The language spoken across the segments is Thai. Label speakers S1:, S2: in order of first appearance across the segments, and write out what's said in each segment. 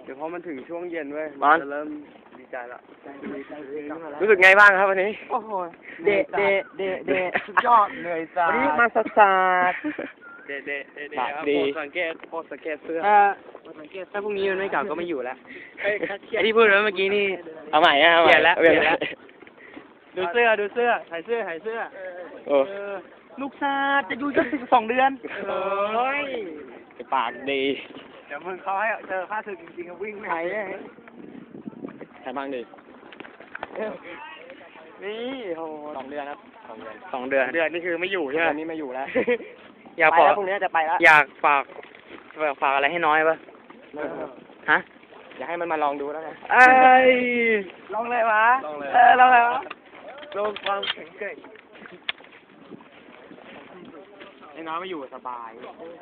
S1: ดี๋ยวพอมันถึงช่วงเย็นเว้ย
S2: บอล
S1: จะเริ่มดีใจละ
S2: รู้สึกไงบ้างครับวันนี้
S1: โอ้โหเดสุดยอดเหนื่อยจ้า
S2: วันนี้มาสัส
S1: เดค
S2: ปา
S1: รั
S2: ก
S1: บ
S2: ดี
S1: โปรดสังเกตเสื้อ
S3: ถ้าพรุ่งนี้มันไม่กลับก็ไม่อยู่แล้ว
S1: เฮ้ย
S3: ไอ้ที่พูดไว้เมื่อกี้นี่
S2: เอาใหม่นะเอาใหม่
S3: เปลี่ยนแล้ว
S2: เปลี่ยนแล้ว
S3: ดูเสื้อถ่ายเสื้อ
S2: โอ้
S3: ลูกซาจะอยู่จน12 เดือนเฮ้ย
S2: ปากดี
S1: เดี๋ยวมึงเขาให้เจอค่าศึกจริงๆวิ่งไม่
S3: ถ่าย
S1: ไหว
S2: ใครบ้างดี
S3: นี่โห
S2: 2 เดือนครับ2 เดือน
S3: 2 เดือนนี่คือไม่อยู่ใช่ไหม
S2: ตอนนี้ไม่อยู่แล้ว
S3: อยาก
S2: ไป
S3: ฝา
S2: แล้ว
S3: ก
S2: พรุ่งนี้จะไปแล้ว
S3: อยากฝากอะไรให้น้อยปะฮะ
S2: อยากให้มันมาลองดูแล้วกัน
S3: เอ้ยลองเลยวะลองเลยวะ
S1: ลงความแข็งแกร่ง
S3: ไอ้น้อยไม่อยู่สบาย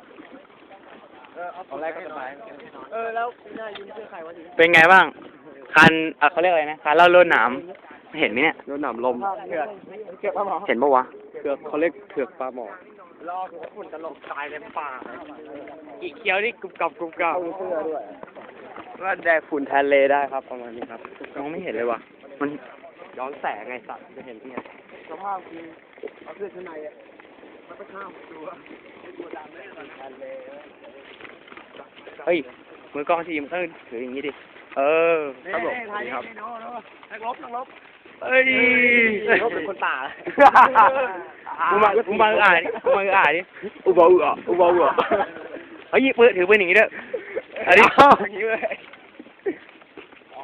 S2: ตอนแรกก็สบาย
S1: แล้วหน้ายิ้มเสื้อใครวะที
S3: เป็นไงบ้างคันเขาเรียกอะไรนะคันเล่าโลดหนามเห็นไหมเนี่ย
S1: โดนหนามลมเถือกปลาหมอ
S3: เห็นปะวะ
S1: เถือกเขาเรียกเถือกปลาหมอ
S3: รอหัวฝุ่นตลกตายในป่าอีกเคี้ยวนี่กรุบกรับเสื้อด้วย
S1: ว่าแดกฝุ่นแทนเลได้ครับประมาณนี้ครับ
S3: มองไม่เห็นเลยวะมัน
S1: ย้อนแสงไงสัตว์จะเห็นที่ไงสภาพคือเอาเสื้อชั้นในอ่ะมันไปข้ามตัวดำเลยแทนเล
S3: เฮ้ยมือกล้องทีมต้องถืออย่างนี้ดิเออ
S1: ครับผม
S3: ครับ
S1: นักลบ
S3: เอ้ย
S1: ลบเป็นคนป่า
S3: กูมาอ่านดิ
S1: อุบาอุอ่ะ
S3: เฮ้ยปืนถือปืนอย่างนี้ด้วยอันนี้
S1: อย่างนี้เลยอ๋อ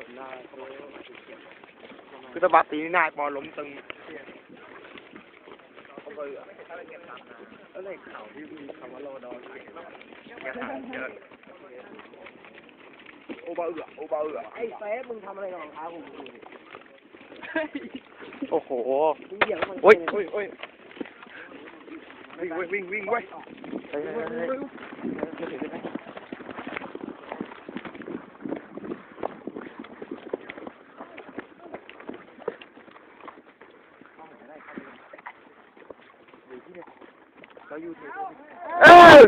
S1: คือตะบัดตีนี่นายปอล้มตึงแล้วในข่าวที่มีคำว่าโลดอแกหาเยอะอุบาอุอ่ะไอ้เฟสมึงทำอะไรของเขาผม
S3: โอ้โห
S1: โอ้ยวิ่งเว้ย
S3: เออ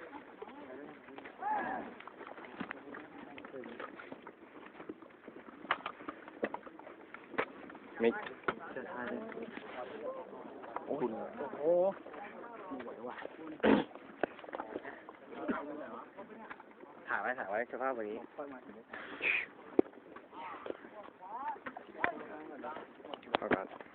S2: ไม่
S1: ถ่ายไว้สภาพแบบนี้
S2: เอากัน